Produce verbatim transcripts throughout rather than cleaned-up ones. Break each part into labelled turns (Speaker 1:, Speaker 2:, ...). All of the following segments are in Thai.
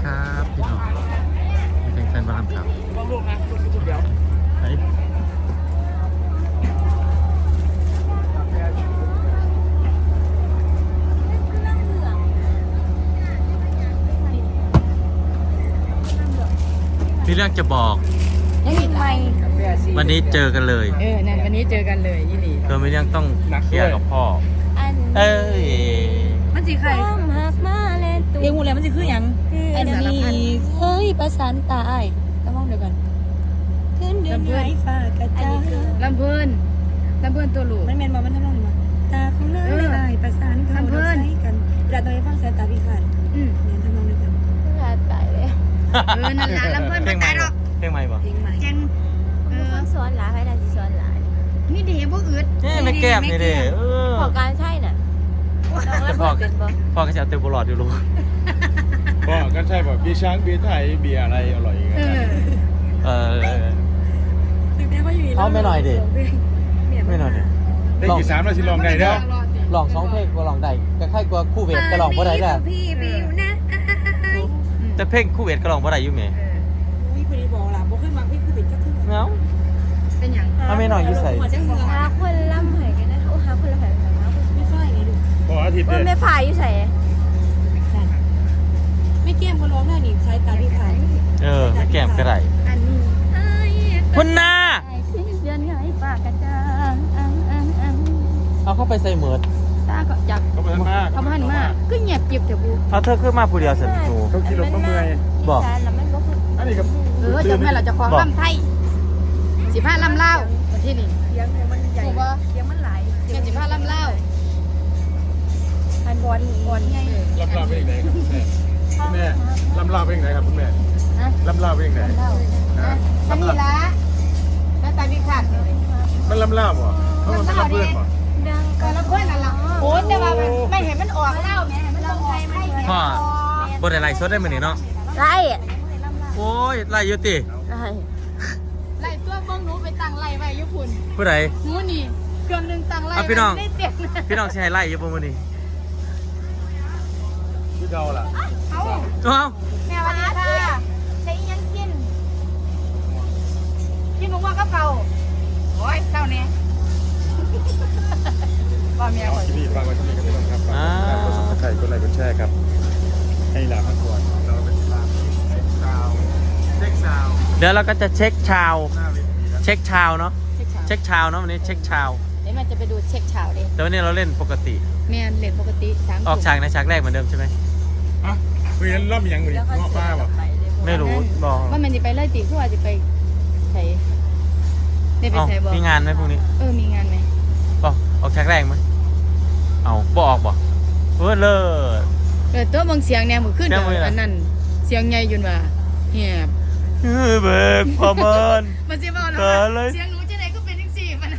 Speaker 1: ครับพี่น้องไม่เป็นแฟนบอลครับ
Speaker 2: ลองลูกนะลูกลูกเดียว
Speaker 1: เฮ้ยมีเรื่องจะบอก
Speaker 3: ยังอีกไหม
Speaker 1: วันนี้เจอกันเลย
Speaker 3: เออนั่นวันนี้เจอกันเลยยี่หลี
Speaker 1: เธอไม่เรื่องต้องเคลียร์กับพ่อ
Speaker 4: อัน
Speaker 1: เอ้ย
Speaker 3: มันสิใคร
Speaker 4: ความหักมาแลนตัว
Speaker 3: เรียงหูแล้วมันสิคือหยัง
Speaker 4: อันนี้เฮ้ยประสานตาย
Speaker 3: ต้องมองเดียวกัน
Speaker 4: ขึ้นเดือนไหนฟ้ากระจาย
Speaker 3: ลำเพิ่นลำเพิ่นตัวลูกมันแม่นบ่มันทำนองนี้มั้ยตาของนางเลยอ้ายประสานเข้าดอกใส่กันเวลาต้องไปฟังสายตาพิฆาตอืมแม่นทำนองเดียวกัน
Speaker 4: หลาตายเลย
Speaker 3: เออนั่นล่ะลำเพิ่น
Speaker 1: เพล
Speaker 3: บ่
Speaker 1: งใหม่
Speaker 3: ตายหร
Speaker 1: บ่
Speaker 3: อก
Speaker 1: เพลงใหม่บ่
Speaker 3: เพลงใหม่จังเออ
Speaker 4: ต้องสอนหลาใครน่าสิสอนหลา
Speaker 3: นี่เด้บ่อึด
Speaker 1: นี่ไม่แก้มนี่เด้เออ
Speaker 4: พอการใช่น่ะน้องแล้วบ่เป็นบ่
Speaker 1: พ่อก็จะเอาเต็มบอลอดอยู่ลูก
Speaker 2: ก็ก็ใช่แบบบีช้างบีไทยเบียร์อะไรอร่อยอย่างเงี้
Speaker 3: เอย อ
Speaker 1: เออ
Speaker 3: ถึงแม้ว่าอยู่
Speaker 1: เอาไม่หน่อยดิ ไม่หน่อยดิ
Speaker 2: ได้กี่สามแล้วสิลองได้เด้อ
Speaker 1: ลองสองเพลงก็ลองได้ก็ค่ายกว่าคู่เวทก็ลองบ่ได้แหละ
Speaker 3: พี่บิวนะ
Speaker 1: แต่เพลงคู่เวทก็ลองบ่ได้อยู่แหม
Speaker 3: อุ้ยพอดีบอกล่ะบ่ขึ้นมาพี่คือบิดก็คือ
Speaker 1: เงา
Speaker 3: เป็นหยัง
Speaker 1: เอาไม่หน่อยอยู่ใส่
Speaker 3: หัวจังหัว
Speaker 4: หาคนล่ำให้กันนะโอ้หาคนล่ำให้กันนะ
Speaker 3: ไม่ค่อยไงดู
Speaker 2: พออาทิตย์
Speaker 4: ว่า
Speaker 2: เด้
Speaker 4: แม่ฝ่ายอยู่ไส
Speaker 3: ไม่เกี่ยมก็ร้องได้นี่ใช้ตาพิฆาต
Speaker 1: เออไม่แก้มก็ได้
Speaker 3: อันนี้
Speaker 1: คุณนา
Speaker 4: ขึ้นเดือนไหนฟ้ากระจายอังอังอัง
Speaker 1: เอาเข้าไปใส่เหมือด
Speaker 3: ตาก็จัก
Speaker 2: เขาเป็นมาก
Speaker 3: เขาพันมากก็เงียบจิบเถอะบู
Speaker 1: เอาเธอขึ้นมาผู้เดียวสิหนู
Speaker 2: เขาขี่รถมาเมื่อย
Speaker 1: บอก
Speaker 4: อีสานแล้วมันบ่คือ
Speaker 2: อันนี้กับ
Speaker 3: เออจะแม่เราจะคล้องลำไทยสิบห้าลำเล่าวันที่นี่
Speaker 4: เสียงมันใหญ่เสียงมันหลาย
Speaker 3: แค่สิบห้าลำเล่า
Speaker 4: พันบอลบอลไง
Speaker 2: ลำลาเป็นยังไงครับคุณแม่ลำลาเป็นยังไงครับคุณแม่ลำลาเป็นยังไง
Speaker 3: อันนี้ละแล้วตาพิฆาต
Speaker 2: มันลำลาบ่เพราะมันเป็นลำเพื่อนบ่
Speaker 4: ดัง
Speaker 3: ก็ละคนนั่นล่ะโอ้แต่ว่าไม่เห็นมันออกเล่าแม่มันต้องใช้ไม่
Speaker 1: พ่อบ่ได้ไล่สดได้มื้อนี้เนาะ
Speaker 4: ไล่
Speaker 1: โอ้ยไล่อยู่ติ
Speaker 4: ไล่
Speaker 3: ไล่ตัวเบิ้งหนูไปตั้งไล่ไว้ญี่ปุ่น
Speaker 1: ผู้ใด
Speaker 3: หนูนี่เครื่องนึงตั้งไล่
Speaker 1: อ่ะพี่น้อง
Speaker 3: ได้เต็ม
Speaker 1: พี่น้องสิให้ไล่อยู่บ่มื้อนี้
Speaker 2: พี่เดาล่ะ
Speaker 3: เอา
Speaker 1: เอ้า
Speaker 3: แม่วันนี้ค่ะใช้ยังกินกินหมูว่ากับเก่าโอ้ยเศร้าเนี่ยว่าเมียก่อน
Speaker 2: ที่นี่ฟังไว้ที่นี่กันด้วยครับฝากกดซับสไครต์กดไลค์กดแชร์ครับให้ลาพักก่อนเราเป็นลาเช็คซาวเช็คซาว
Speaker 1: เดี๋ยวเราก็จะเช็คชาว
Speaker 2: หน้าเวทีนะ
Speaker 1: เช็คชาวเนาะ
Speaker 3: เช็คเช้า
Speaker 1: เช็คชาวเนาะวันนี้เช็คชาว
Speaker 3: เดี๋ยวมันจะไปดูเช็คเช้าดิ
Speaker 1: แต่วันนี้เราเล่นปกติ
Speaker 3: แม่เลทปกติสาม
Speaker 1: ออกฉากในฉากแรกเหมือนเดิมใช่ไหม
Speaker 2: อ่ะคุยกันรอบยังอยู่ดิงอป้าป่ะ
Speaker 1: ไม่รู้บอก
Speaker 3: ว่ามันจะไปไล่ตีผู้ว่าจะไปใช้ได้ไป
Speaker 1: เอ้า
Speaker 3: ใช้บ่
Speaker 1: มีงานไหมพรุ่งนี้
Speaker 3: เออมีงานไหม
Speaker 1: บอกออกฉากแรกไหมเอาบออกบอกเออเลิศ
Speaker 3: เออตัวบางเสียงแนวมือขึ้น
Speaker 1: แนวมือ
Speaker 3: อันนั้นเสียงใหญ่ยุ่นว่าเหียบ
Speaker 1: เออเบิกพอเมิน
Speaker 3: มันจะบอกนะ
Speaker 1: เกินเลย
Speaker 3: เสียงหนูจะไหนก็เป็นทั้งสี่มัน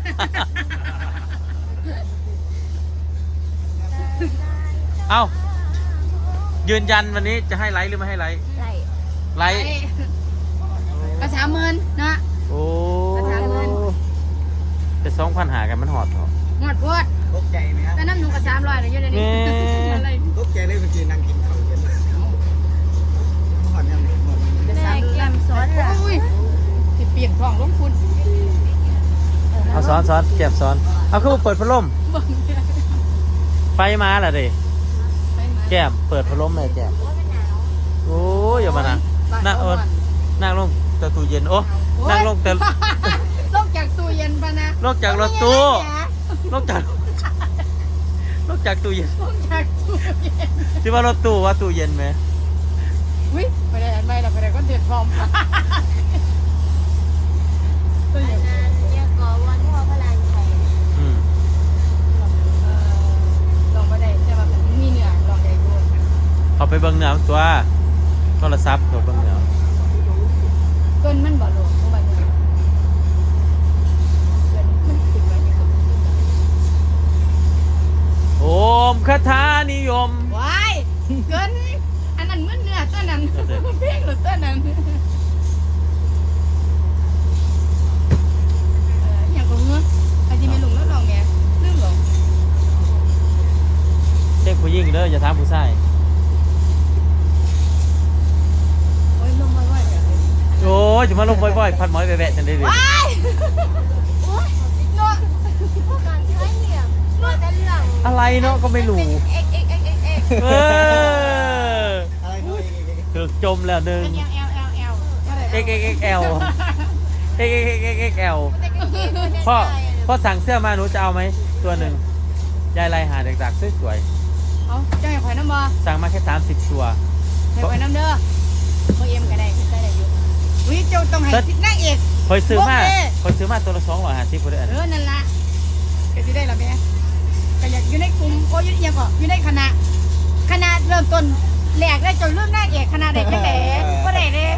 Speaker 1: เอ้ายืนยันวันนี้จะให้ไลค์หรือไม่ให้ไลค์
Speaker 4: ไล่
Speaker 1: ไลค์
Speaker 3: กระชาเมินนะ
Speaker 1: โอ้
Speaker 3: ประชาชน
Speaker 1: จะสองพันหากันมันหอดเหรอ
Speaker 3: หมดพวด
Speaker 5: ตกใจไหมครับ
Speaker 3: แต่น้ำหนูกระสามร้อยเลยเยอะเลยนี่
Speaker 1: แม่
Speaker 3: อะไร
Speaker 5: ตกใจเลยเมื่อกี้นั่งกินข้าวเย็นก่อนยังไม่หมด
Speaker 4: แม่แกมสอนหลา
Speaker 3: อุ้ยสิเปลี่ยนท้องลงคุณ
Speaker 1: เอาซ้อนซ้อนเก็บซ้อนเอาคือเปิดพัดลมไฟมาล่ะดิแก้มเปิดพัดลมเลยแก้มโอ้ยอย่ามานะนั่งเออนั่งลงแต่ตู้เย็นโอ้นั่งลงแต่
Speaker 3: ลงจากตู้เย็นปะนะ
Speaker 1: นอกจากรถตู้นอกจากนอกจากตู้เย็น
Speaker 3: ลงจากตู้เย็น
Speaker 1: ที่ว่ารถตู้ว่าตู้เย็นไหม
Speaker 3: อุ้ยไปได้อันไม่เราไปได้ก็เดือดพร้อมตู้เย็น
Speaker 4: เนี่ยกอวันพ่อพระลานชัย
Speaker 1: อืม
Speaker 3: ลองไปได้แต่ว่ามันมีเนื้อลองได้ด้วย
Speaker 1: เอาไปเบิ้งเหนือตัวโทรศัพท์ตัวเบิ้งเหนือ
Speaker 3: ต้นมันบ่ลงเพราะว่าเนี่ยต้นมันติดไว้ในกระเป๋า
Speaker 1: โอมคาถานิยม
Speaker 3: ว้ายเกินอันนั้นมันเนื้อตัวนั้นเพียงหรือตัวนั้นเอออย่างก็เงื้ออาจจะไม่ลงแล้วลองไงลืมหรอ
Speaker 1: เช็คผู้หญิงเด้ออย่าถามผู้ชายจะมาลงบ่อยๆพัดหมอยแวะๆจังได้เลย
Speaker 4: เนาะพวกการใช้เนี่ยเนาะแต่เรื่อง
Speaker 1: อะไรเนาะก็ไม่รู้
Speaker 4: เอ็กเอ็กเอ็กเอ็กเอ็ก
Speaker 1: เออ
Speaker 5: อะไรด้วย
Speaker 1: ถึกจมแล้วหนึ่ง
Speaker 4: เอลเอลเอลเอล
Speaker 1: XXXL XXXL พ่อพ่อสั่งเสื้อมาหนูจะเอาไหมตัวหนึ่งยายไรหาเด็กๆสวย
Speaker 4: เอาเจ้าอย่าข่อยน้ำบ่
Speaker 1: ๆสั่งมาแค่สามสิบตัว
Speaker 4: ให้ข่อยน้ำเด้อบ่เอ็มก็ได้ได้ได้อยู่อุ้ยเจ้าต้องให้สินางเอก
Speaker 1: คอยซื้อมา
Speaker 4: โอเค
Speaker 1: คอยซื้อมาตัวละสองร้อยห้าสิบคนเดียว
Speaker 4: เออนั่นล่ะก็สิได้ล่ะแม่ก็อยากอยู่ในกลุ่มโอ้ยอยู่ยังก็อยู่ในคณะคณะเริ่มต้นแรกได้จนเรื่องนางเอกคณะได้จังได๋บ่ได้เด้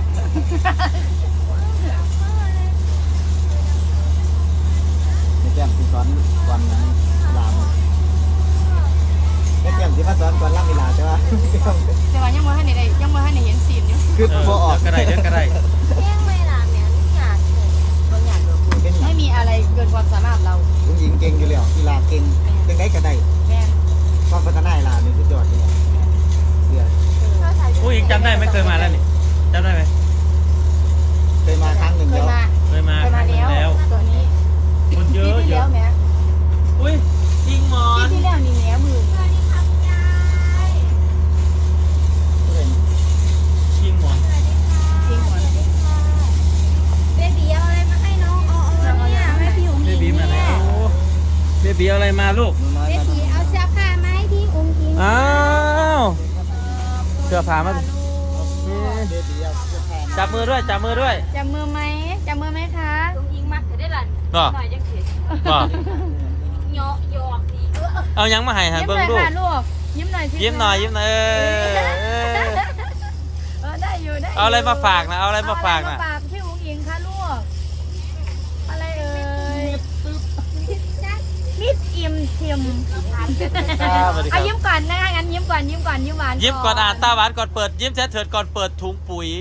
Speaker 5: แก้มที่สอนวันนั้นลามแก้มที่มาสอนก่อนล่ำเวลาใช่ปะ
Speaker 4: แต่ว่ายังบ่ทันได้ยังบ่ทันได้เห็นซีนอยู่
Speaker 5: คือ
Speaker 1: เออ
Speaker 5: พอออก
Speaker 1: เดี๋ยวก็ได้เดี๋ยวก็ได้
Speaker 4: เลี้ยงเวลาแม่นอยากบ่อยาก
Speaker 5: เป็น
Speaker 4: ไม่มีอะไรเกินความสามารถเรา
Speaker 5: ผู้หญิงเก่งอยู่แล้วกีฬาเก่งเป็นได้ก็ได้
Speaker 4: แม่น
Speaker 5: ความพัฒนากีฬานี่สุดยอดเลยเสีย
Speaker 1: ผู้หญิงจำได้ไหมเคยมาแล้วนี่จำได้ไหม
Speaker 5: เคยมาครั้งหนึ่ง
Speaker 4: เคย
Speaker 5: แล้ว
Speaker 4: มา
Speaker 1: เคยมา
Speaker 4: เคย
Speaker 1: ค
Speaker 4: มา
Speaker 1: รั้งหนึ่ง
Speaker 4: แล้ว
Speaker 1: แล้ว
Speaker 4: ตัวนี้
Speaker 1: คนเย
Speaker 4: ปี
Speaker 1: อะ
Speaker 4: ที่
Speaker 1: เย
Speaker 4: แล้
Speaker 1: อะ
Speaker 4: วแม่
Speaker 1: อุ้ยจริงหมอ
Speaker 4: ปี
Speaker 1: น
Speaker 4: ที่แล้วนี่แหนมือ
Speaker 1: จริงหมอน
Speaker 4: จริงหมด
Speaker 3: เบบีเอาอะไรมาให้น้องเอาเอาเนี่ยให้พี่อุ๋ง
Speaker 1: เบ
Speaker 3: อิง
Speaker 1: บีมาแล้วเบบีเอาอะไรมาลูก
Speaker 5: หนูน้อย
Speaker 3: เบ
Speaker 5: มา
Speaker 3: บีเอาเสื้อผ้ามาให้พี่อุ๋งอิง
Speaker 1: อ้าวเสื้อผ้ามานี่
Speaker 5: เบบีเอาเสื้อผ้า
Speaker 1: จับมือด้วยจับมือด้วย
Speaker 4: จับมือไหมจับมือไหมคะ
Speaker 3: อุ๋งอิงมักจะได้หลัน
Speaker 1: ก็
Speaker 3: หน่อยจังสิ
Speaker 1: ก็
Speaker 3: เหยาะหยอกดีเออ
Speaker 1: เอายังมาให้ฮะ
Speaker 4: ยิ้ม
Speaker 1: เบิ้
Speaker 4: ห
Speaker 1: ง
Speaker 4: น่อย
Speaker 1: ลูก
Speaker 4: ค่ะลูกยิ้มหน่อยสิ
Speaker 1: ยิ้มหน่อยยิ้มหน่อยเออเออ
Speaker 4: เออได้อยู่ได้ยู่
Speaker 1: เอาอะไรมาฝากนะเอาอะไรมาฝากนะ
Speaker 4: เออะไรมาฝากพี่อุ๋งอิงค่ะลูกอะไรเอ่ยมิดอิ่มชิม
Speaker 1: ครับสวัสดีค
Speaker 4: เอา
Speaker 1: รับ
Speaker 4: ยิ้มก่อนนะคะงั้นยิ้มก่อนยิ้มก่อนยิ้มหวาน
Speaker 1: ยิ้มก่อนอ่านตาหวานก่อนเปิดยิ้มแท้เถิดก่อนเปิดถุงปุ๋ย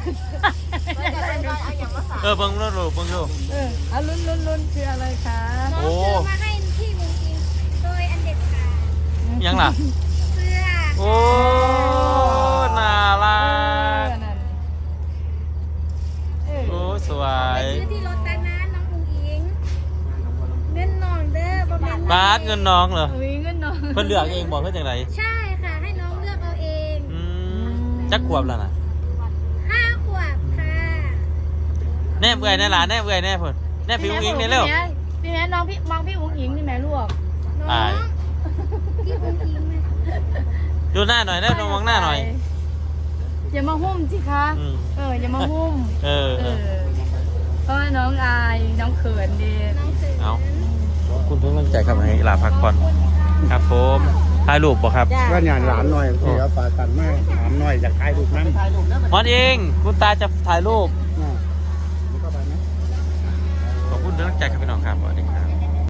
Speaker 1: เออเบิ้งลูกลูกเบิ้งลูก
Speaker 4: เออเอาลุ้นลุ้นลุ้นคืออะไรคะ
Speaker 1: โอ้
Speaker 3: ซื้อมาให้พี่อุ๋งอิงโดยอันเด็ดขาด
Speaker 1: ยังล่ะ
Speaker 3: เสื้อ
Speaker 1: โอ้น่ารั
Speaker 4: เออก นั่นเออ
Speaker 1: โอ้สว
Speaker 3: ไป
Speaker 1: ย
Speaker 3: ซื้อที่รถแต่นั้นน้องอุ๋งอิงเงินน้องเด้อบ่แม่น
Speaker 1: บาสเงินน้องเหรอ
Speaker 4: อุ้ยเงินน้อง
Speaker 1: เพิ่นเลือกเองบอกเพื่อนจังไร
Speaker 3: ใช่ค่ะให้น้องเลือกเอาเอง
Speaker 1: อืมจักขวบแล้วนะ
Speaker 3: ห้าขวบค่ะ
Speaker 1: แน่เบื่อยแน่หลานแน่เบื่อยแน่เพิ่นแน่พี่อุ้งอิงนี่เร็ว
Speaker 4: พี่แม่น้องพี่มองพี่อุ๋งอิงนี่แม่ลูก
Speaker 3: น้อง
Speaker 1: อาย
Speaker 3: พี่อุ๋งอิงนะ
Speaker 1: ดูหน้าหน่อยนะมองหน้าหน่อย
Speaker 4: อย่ามาหุ้มสิคะ
Speaker 1: อืม
Speaker 4: เอออย่ามาหุ้ม
Speaker 1: เออ
Speaker 4: เอ
Speaker 1: เอ
Speaker 4: อ
Speaker 1: อ
Speaker 4: เพราะว่าน้องอายน้องเขินดี
Speaker 3: น้องเสือ
Speaker 1: เอาขอบคุณทุกกำลังใจครับให้หลาพักผ่อนครับผมถ่ายรูปบ่ครับ
Speaker 5: ว่าหยาดหลานหน่อยเสียฝากันมากหลานหน่อยอยากถ่ายรูปน้ำถ่ายรูปน้ำ
Speaker 1: มอนเองคุณตาจะถ่ายรูป
Speaker 5: นี่ก็ไปไหม
Speaker 1: ขอบคุณทุกกำลังใจครับพี่น้องครับสวัสดีครับ